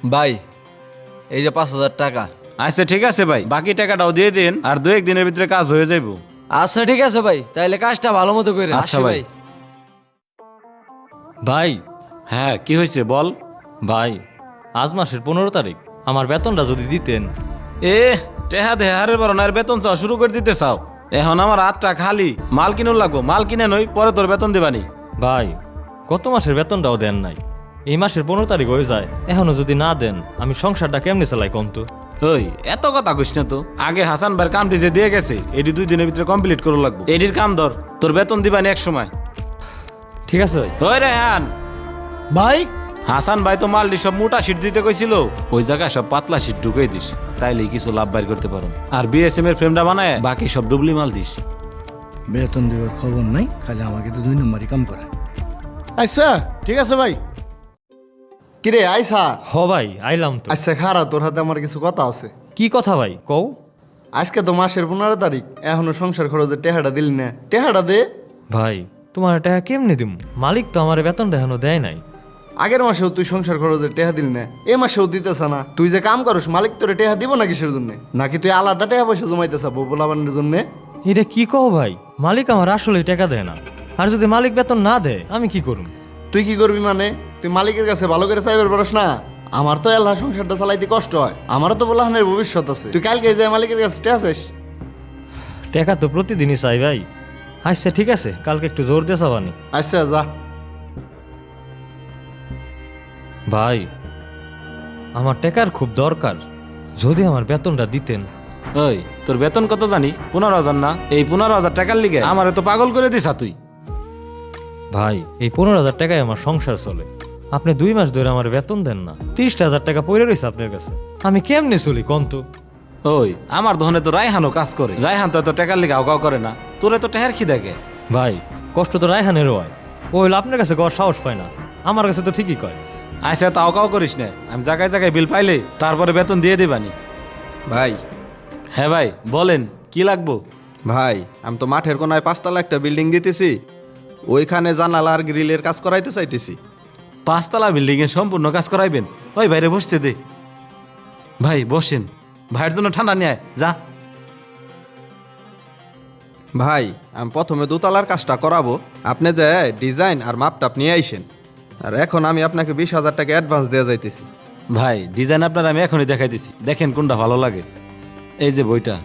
ভাই এই যে 5,000 টাকা। আচ্ছা ঠিক আছে ভাই, বাকি টাকাটাও দিয়ে দিন, আর 2-1 দিনের ভিতরে কাজ হয়ে যাইব। আচ্ছা ঠিক আছে ভাই, তাইলে কাজটা ভালো মতো করে। আচ্ছা আসি ভাই। ভাই হ্যাঁ কি হয়েছে বল। ভাই আজ মাসের 15 তারিখ আমার বেতনটা যদি দিতেন। এ টেহা দেহারের বড় নার বেতন চাও শুরু করে দিতে চাও? এখন আমার হাতটা খালি, মাল কিনুন লাগবো, মাল কিনে নই পরে তোর বেতন দিবানি। ভাই গত মাসের বেতনটাও দেন নাই, এই মাসের 15 তারিখ হয়ে যায়, এখনো যদি না দেন আমি সংসারটা কেমনে চালাই কম তো। ওই এত কথা কইস না তো, আগে হাসান ভাইয়ের কামটি যে দিয়ে গেছে এটি 2 দিনের ভিতরে কমপ্লিট করে লাগবো। এটির কাম ধর, তোর বেতন দিবানি এক সময়। ঠিক আছে ভাই। ওই রেহান, ভাই হাসান ভাই তো মালটি সব মোটা শীট দিতে কইছিল, ওই জায়গায় সব পাতলা শীট ঢুকাই দিস, তাইলে কিছু লাভ বাইর করতে পারো। আর বিএসএম এর ফ্রেমটা বানায় বাকি সব ডুবলি মাল দিস। বেতন দেওয়ার খবর নাই, খালি আমাকে তো 2 নম্বরই কাম করে। আচ্ছা ঠিক আছে ভাই। কিরে আইসা? হ ভাই আইলাম তো। আচ্ছা খারা, তোর হাতে আমার কিছু কথা আছে। কি কথা ভাই কও। আজকে তো মাসের 15 তারিখ, এখনো সংসার খরচের টেহাটা দিলি না, টেহাটা দে। ভাই তোমার টাকা কেমনে দিম, মালিক তো আমার বেতনটা এখনো দেয় নাই। আগের মাসেও তুই সংসার খরচের টেহা দিলি না, এ মাসেও দিতেছ না। তুই যে কাম করস মালিক তোরে টেহা দিব না কিসের জন্য? নাকি তুই আলাদা টেহা পয়সা জমাইতেছ বউলাবানের জন্য? এটা কি কও ভাই, মালিক আমার আসলে টাকা দেয় না, আর যদি মালিক বেতন না দেয় আমি কি করুম? তুই কি করবি মানে? তুই মালিকের কাছে ভালো করে চাইবার পারস না? আমার তো আল্লাহ সংসারটা চালাইতে কষ্ট হয়, আমারও তো বলাহানের ভবিষ্যৎ আছে। তুই কালকে যে মালিকের কাছে টেহা চাস? টাকা তো প্রতিদিনই চাই ভাই। আচ্ছা ঠিক আছে, কালকে একটু জোর দিয়ে চাবানি। আচ্ছা যা। ভাই আমার টাকার খুব দরকার, যদি আমার বেতনটা দিতেন। ওই তোর বেতন কত জানি? 15,000 না? এই 15,000 টাকার লিগে আমারে তো পাগল করে দিস তুই। ভাই এই 15,000 টাকায় আমার সংসার চলে, আপনি 2 মাস ধরে আমার বেতন দেন না, 30,000 টাকা পড়ে রয়েছে আপনার কাছে, আমি কেমনে চলি কন্ত? ওই আমার দোকানে তো রায়হানও কাজ করে, রায়হান তো এত টাকার লিগে আওকাও করে না, তোরে তো টেহার খিদে গে। ভাই কষ্ট তো রায়হানেরও হয়, ও হইলো আপনার কাছে গড় সাহস পায় না, আমার কাছে তো ঠিকই কয়। আচ্ছা তাও কাও করিস না, আমি জায়গায় জায়গায় বিল পাইলে তারপরে বেতন দিয়ে দিবানি। ভাই হ্যাঁ ভাই বলেন কি লাগবো? ভাই আমি তো মাঠের কোনায় 5 তলা একটা বিল্ডিং দিতেছি, ওইখানে জানালা আর গ্রিলের কাজ করাইতে চাইতেছি। 5 তলা বিল্ডিং এ সম্পূর্ণ কাজ করাইবেন? ওই বাইরে বসতে দে ভাই, বসেন, ভাইয়ের জন্য ঠান্ডা নিয়ে আয়, যা। ভাই আমি প্রথমে 2 তলার কাজটা করাবো, আপনি যে ডিজাইন আর মাপটাপ নিয়ে আইসেন, আর এখন আমি আপনাকে 20,000 টাকা অ্যাডভান্স দেওয়া যাইতেছি। ভাই ডিজাইন আপনার আমি এখনই দেখাই দিছি, দেখেন কোনটা ভালো লাগে। এই যে বইটা।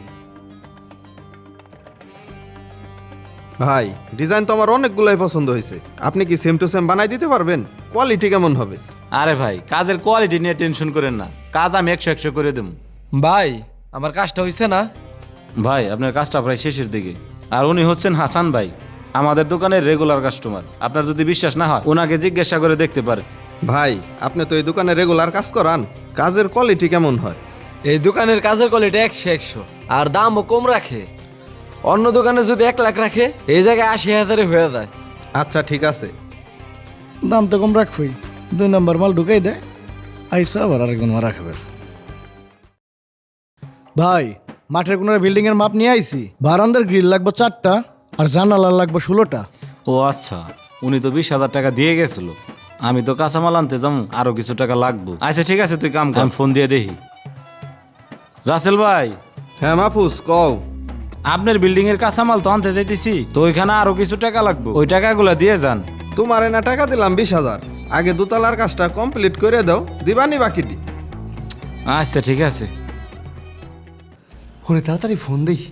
ভাই ডিজাইন তো আমার অনেকগুলোই পছন্দ হয়েছে, আপনি কি সেম টু সেম বানাই দিতে পারবেন? কোয়ালিটি কেমন হবে? আরে ভাই কাজের কোয়ালিটি নিয়ে টেনশন করেন না, কাজ আমি 100 করে দেব। ভাই আমার কাজটা হইছে না? ভাই আপনার কাজটা প্রায় শেষের দিকে, আর উনি হচ্ছেন হাসান ভাই, আমাদের দোকানের রেগুলার কাস্টমার। আপনার যদি বিশ্বাস না হয় ওনাকে জিজ্ঞাসা করে দেখতে পারেন। ভাই আপনি তো এই দোকানে রেগুলার কাজ করান, কাজের কোয়ালিটি কেমন হয়? এই দোকানের কাজের কোয়ালিটি 100 আর দামও কম রাখে। অন্য দোকানে যদি 1 লাখ রাখে, এই জায়গায় 80,000 হয়ে যায়। আচ্ছা ঠিক আছে। দাম তো কম রাখবই, 2 নম্বর মাল ঢুকাই দেয়, আইসা আবার আরেকজন মারা খাবে। ভাই মাঠের কোনার বিল্ডিং এর মাপ নিয়ে আইছি, বারান্দার গ্রিল লাগবে 4টা আর জানালা লাগবে 16টা। ও আচ্ছা, উনি তো 20,000 টাকা দিয়ে গেছিল, আমি তো কাঁচামাল আনতে যাবো, আরো কিছু টাকা লাগবে। আচ্ছা ঠিক আছে তুই কাম কর, আমি ফোন দিয়ে দেখি। রাসেল ভাই, হ্যাঁ মাহফুজ কও। আপনার বিল্ডিং এর কাঁচামাল তো আনতে যাইতেছি, তো ওইখানে আরো কিছু টাকা লাগবে, ওই টাকাগুলো দিয়ে যান। তোমার না টাকা দিলাম 20,000, আগে 2 তলার কাজটা কমপ্লিট করে দাও, দিবানি বাকিটি। আচ্ছা ঠিক আছে। ওরে তাড়াতাড়ি ফোন দেই।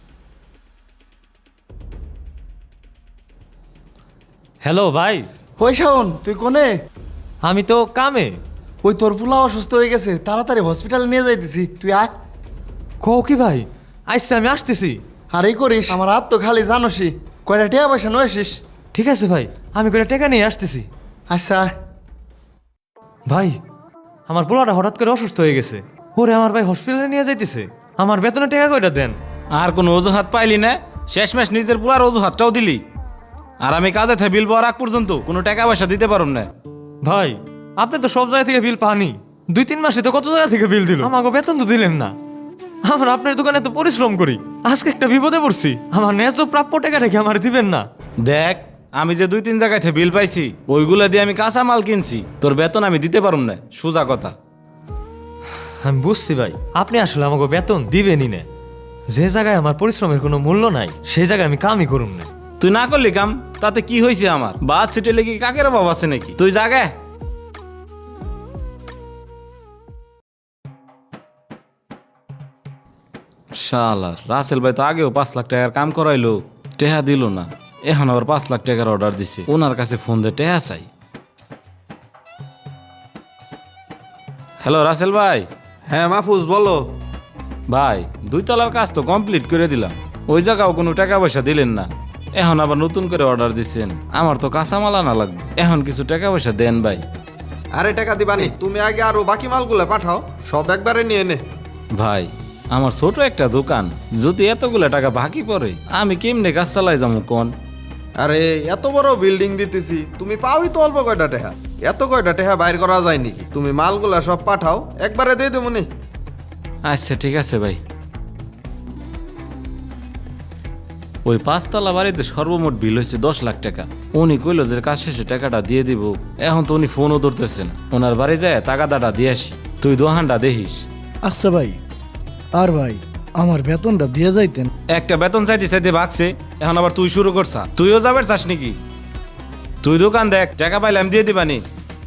হ্যালো ভাই। ওই শাওন তুই কোনে? আমি তো কামে। ওই তোর পোলা অসুস্থ হয়ে গেছে, তাড়াতাড়ি হসপিটালে নিয়ে যাইতেছি, তুই আয়। কও কি ভাই? আইসা আমি আসতেছি। আর এই করিস, আমার হাত তো খালি জানোসই, কয়টা টেয়া পয়সা নয় আসিস। ঠিক আছে ভাই, আমি করে টাকা নিয়ে আসতেছি। আচ্ছা আয়। ভাই আমার পোলাটা হঠাৎ করে অসুস্থ হয়ে গেছে, ওরে আমার ভাই হসপিটালে নিয়ে যাইতেছে, আমার বেতনের টাকা কয়টা দেন। আর কোনো অজুহাত পাইলি না? শেষমেশ নিজের পুরার অজুহাতটাও দিলি, আর আমি কাজে থেকে বিল পাওয়ার আগ পর্যন্ত কোনো টাকা পয়সা দিতে পারুম না। ভাই আপনি তো সব জায়গা থেকে বিল পানি, 2-3 মাসে তো কত জায়গা থেকে বিল দিল, আমাকে বেতন তো দিলেন না। আমার আপনার দোকানে তো পরিশ্রম করি, আজকে একটা বিপদে পড়ছি, আমার ন্যায্য প্রাপ্য টাকা রেখে আমার দিবেন না। দেখ আমি যে 2-3 জায়গায় থেকে বিল পাইছি, ওইগুলা দিয়ে আমি কাঁচা মাল কিনছি, তোর বেতন আমি দিতে পারুম না, সোজা কথা। আমি বুঝছি ভাই, আপনি আসলে আমাকে বেতন দিবেনই না। যে জায়গায় আমার পরিশ্রমের কোনো মূল্য নাই সেই জায়গায় আমি কামই করুম না। তুই না করলি কাম, তাতে কি হয়েছে আমার? বাদ সিটে লেগে কাকের অভাব আছে নাকি? তুই জাগে। শালার রাসেল ভাই তো আগেও 5 লাখ টাকার কাম করাইলো, টেহা দিল না। এখন আবার 5 লাখ টাকার অর্ডার দিছে, ওনার কাছে ফোন দিয়ে টেহা চাই। হ্যালো রাসেল ভাই। হ্যাঁ মাহফুজ বলো। ভাই 2 তলার কাজ তো কমপ্লিট করে দিলাম, ওই জায়গাও কোনো টাকা পয়সা দিলেন না। এখন আবার নতুন করে অর্ডার দিচ্ছেন, আমার তো কাঁচামাল আনা লাগবে। এখন কিছু টাকা পয়সা দেন ভাই। আরে টাকা দিবানি, তুমি আগে আরো বাকি মালগুলো পাঠাও, সব একবারে নিয়ে নে। ভাই আমার ছোট একটা দোকান, যদি এতগুলো টাকা বাকি পড়ে আমি কেমনে কাজ চালাই যাবো কোন? আরে এত বড় বিল্ডিং দিতেছি, তুমি পাওই তো অল্প কয়টা টেহা, এত কয়টা টেহা বাইর করা যায় নাকি? তুমি মালগুলা সব পাঠাও, একবারে দিয়ে দেবো নি। আচ্ছা ঠিক আছে ভাই। ওই 5 তলা বাড়িতে সর্বমোট বিল হয়েছে 10 লাখ টাকা। উনি কইলো যে কাজ শেষে টাকাটা দিয়ে দিব। এখন তো উনি ফোনও ধরতেছে না। ওনার বাড়ি যায় টাকাটা দিয়ে আসি, তুই দোহানটা দেখিস। আচ্ছা ভাই, আর ভাই আমার বেতনটা দিয়ে যাইতেন। একটা বেতন চাইতে চাইতে ভাগছে, এখন আবার তুই শুরু করছা। তুইও যাবার চাস নাকি? তুই দোকান দেখ, টাকা পাইলে আমি দিয়ে দিবানি।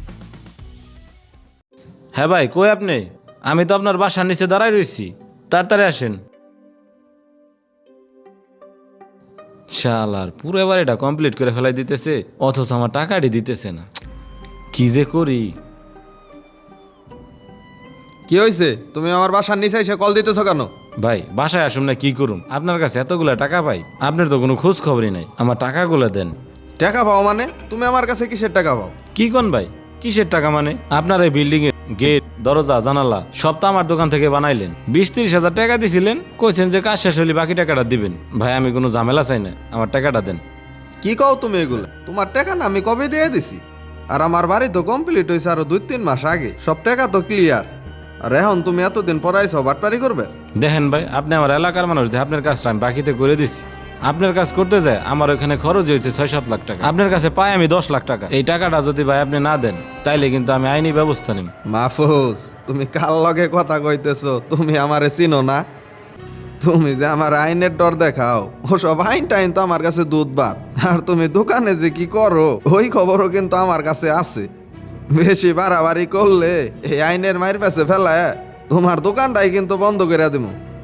হ্যাঁ ভাই কই আপনি? আমি তো আপনার বাসার নিচে দাঁড়াই রয়েছি, তাড়াতাড়ি আসেন। শালার পুরো বাড়িটা কমপ্লিট করে ফেলাই দিতেছে, অথচ আমার টাকাটি দিতেছে না। কি যে করি। কি হয়েছে? তুমি আমার বাসার নিচে এসে কল দিতেছো কেন? ভাই বাসায় আসুন না, কি করুন? আপনার কাছে এতগুলা টাকা পাই, আপনার তো কোনো খোঁজ খবরই নাই। আমার টাকাগুলো দেন। টাকা পাও মানে? তুমি আমার কাছে কিসের টাকা পাও? কি কোন ভাই, কিসের টাকা মানে? আপনার এই বিল্ডিং এর গেট, দরজা, জানালা সব তো আমার দোকান থেকে বানাইলেন। 20-30 হাজার টাকা দিছিলেন, কইছেন যে কাজ শেষ হলে বাকি টাকাটা দিবেন। ভাই আমি কোনো ঝামেলা চাই না, আমার টাকাটা দেন। কি কও তুমি এগুলো? তোমার টাকা না আমি কবে দিয়ে দিছি? আর আমার বাড়ি তো কমপ্লিট হয়েছে আরো 2-3 মাস আগে, সব টাকা তো ক্লিয়ার। আর এখন তুমি এতদিন পরাইছো, বাটপারি করবে? দেখেন ভাই, আপনি আমার এলাকার মানুষ, যে আপনার কাজটা আমি বাকিতে করে দিছি। আপনার কাজ করতে যায় আমার ওখানে খরচ হয়েছে 6-7 লাখ টাকা, আপনার কাছে পাই আমি 10 লাখ টাকা। এই টাকাটা যদি ভাই আপনি না দেন, তাইলে কিন্তু আমি আইনি ব্যবস্থা নিব। মাহফুজ, তুমি কার লগে কথা কইতেছো? তুমি আমারে চিনো না? তুমি যে আমার আইনের ডর দেখাও, ওসব আইন টাইন তো আমার কাছে দুধ ভাত। আর তুমি দোকানে যে কি করো ওই খবরও কিন্তু আমার কাছে আছে। বেশি বাড়াবাড়ি করলে এই আইনের মায়ের কাছে ফেলায় তোমার দোকানটাই কিন্তু বন্ধ করে দিব।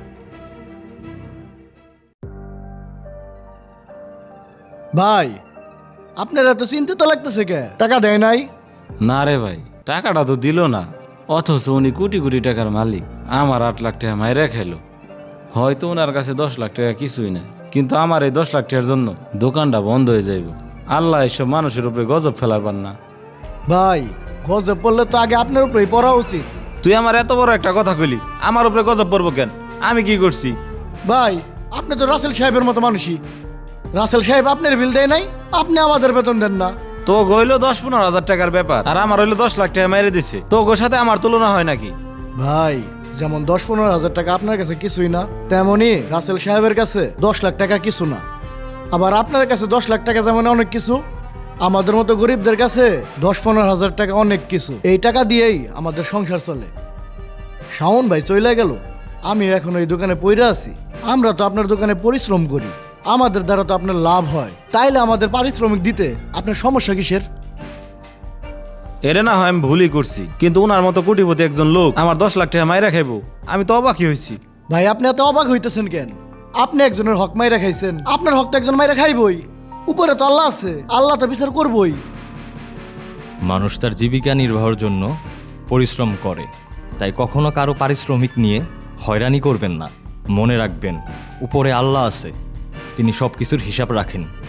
ভাই আপনারা তো চিন্তিত লাগতেছে কে? টাকা দেয় নাই? না রে ভাই, টাকাটা তো দিল না, অথচ উনি কোটি কোটি টাকার মালিক। আমার 8 লাখ টাকা মাইরা খাইলো। হয়তো ওনার কাছে 10 লাখ টাকা কিছুই না, কিন্তু আমার এই 10 লাখ টাকার জন্য দোকানটা বন্ধ হয়ে যাইব। আল্লাহ এসব মানুষের উপরে গজব ফেলার পার না। ভাই গজব পড়লে তো আগে আপনার উপরেই পড়া উচিত। তুই আমার এত বড় একটা কথা কইলি, আমার উপরে গজব পড়বো কেন? আমি কি করছি? ভাই আপনি তো রাসেল সাহেবের মতো মানুষই। রাসেল সাহেব আপনার বিল দেয় নাই, আপনি আমাদের বেতন দেন না। তো হইলো 10-15 হাজার টাকার ব্যাপার, আর আমার হইলো 10 লাখ টাকা মেরে দিছে। তো ওর সাথে আমার তুলনা হয় নাকি? ভাই যেমন 10-15 হাজার টাকা আপনার কাছে কিছুই না, তেমনি রাসেল সাহেবের কাছে 10 লাখ টাকা কিছু না। আবার আপনার কাছে 10 লাখ টাকা যেমন অনেক কিছু, আমাদের মতো গরিবদের কাছে 10-15 হাজার টাকা অনেক কিছু। এই টাকা দিয়েই আমাদের সংসার চলে। শাওন ভাই চলে গেল, আমি এখন ওই দোকানে পইরা আছি। আমরা তো আপনার দোকানে পরিশ্রম করি, আমাদের দ্বারা তো আপনার লাভ হয়, তাইলে আমাদের পারিশ্রমিক দিতে আপনার সমস্যা কিসের? এরে না হয় আমি ভুলই করছি, কিন্তু ওনার মতো কোটিপতি একজন লোক আমার 10 লাখ টাকা মাইরা খাইবো, আমি তো অবাকই হয়েছি। ভাই আপনি এত অবাক হইতেছেন কেন? আপনি একজনের হক মাইরা খাইছেন, আপনার হক তো একজন মাইরা খাইবই। উপরে তো আল্লাহ আছে, আল্লাহ তো বিচার করবই। মানুষ তার জীবিকা নির্বাহের জন্য পরিশ্রম করে, তাই কখনো কারো পারিশ্রমিক নিয়ে হয়রানি করবেন না। মনে রাখবেন উপরে আল্লাহ আছে, তিনি সব কিছুর হিসাব রাখেন।